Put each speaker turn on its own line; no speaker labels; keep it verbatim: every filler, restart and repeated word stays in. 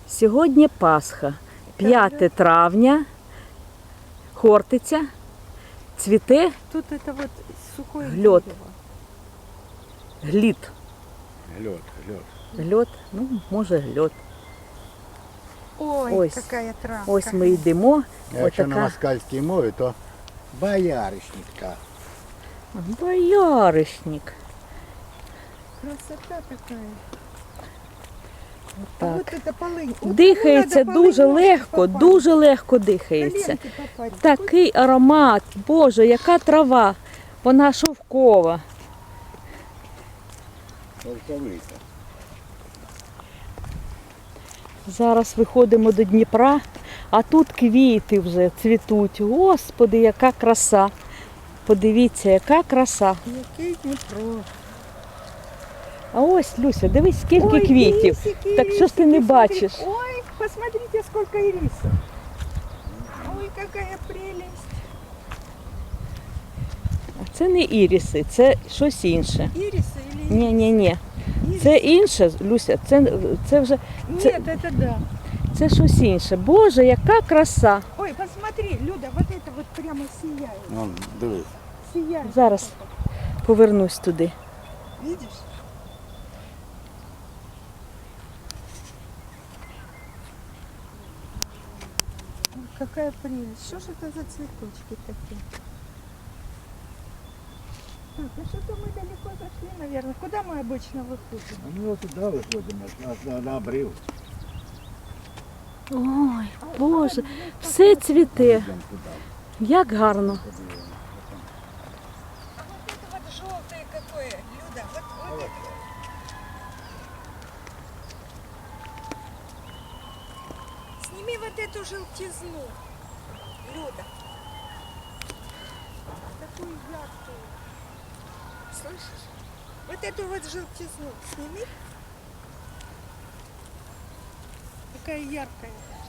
Сьогодні Пасха, п'яте травня, Хортиця, цвіте
Тут это вот сухое
Глёд.
дерево.
глід.
Гльот, гльот.
Гльот, ну, може гльот.
Ой,
Ось.
какая травка.
Ось ми йдемо.
Якщо на
Отака
москальській мові, то бояришника.
бояришник.
Красота такая. А
Так.
вот это полынь. Вот
Дихається
кому надо
дуже
полынь,
легко,
попасть.
дуже легко дихається.
Коленки попасть.
Такий аромат, Боже, яка трава, вона шовкова.
Шовковиця.
Зараз виходимо до Дніпра, а тут квіти вже цвітуть. Господи, яка краса. Подивіться, яка краса.
Який Дніпро.
А ось, Люся, дивись, скільки
Ой,
квітів.
ирисики,
Так що ж ти не
ирисики,
бачиш?
смотри. Ой, посмотрите, сколько ирисов. Ой, какая прелесть.
А це не іріси, це щось інше.
Ирисы или ирисы?
Ні, ні, ні.
Ирисы?
Це інше, Люся, це, це вже це,
Нет, это да.
це щось інше. Боже, яка краса.
Ой, посмотри, Люда, вот это вот прямо сияет.
Ну, дивись.
Сияет.
Зараз повернусь туди.
Видишь? Ой, какая прелесть. Что ж это за цветочки такие? Так, ну что-то мы далеко зашли, наверное. Куда мы обычно выходим?
А ми туди виходимо, на, на, на обрив.
Ой, Боже, все цвіте.
Йдемо туди.
Як гарно.
А вот это вот желтое какое, Люда, вот, вот это. Сними вот эту желтизну, Люда. Такую яркую. Слышишь? Вот эту вот желтизну сними. Какая яркая.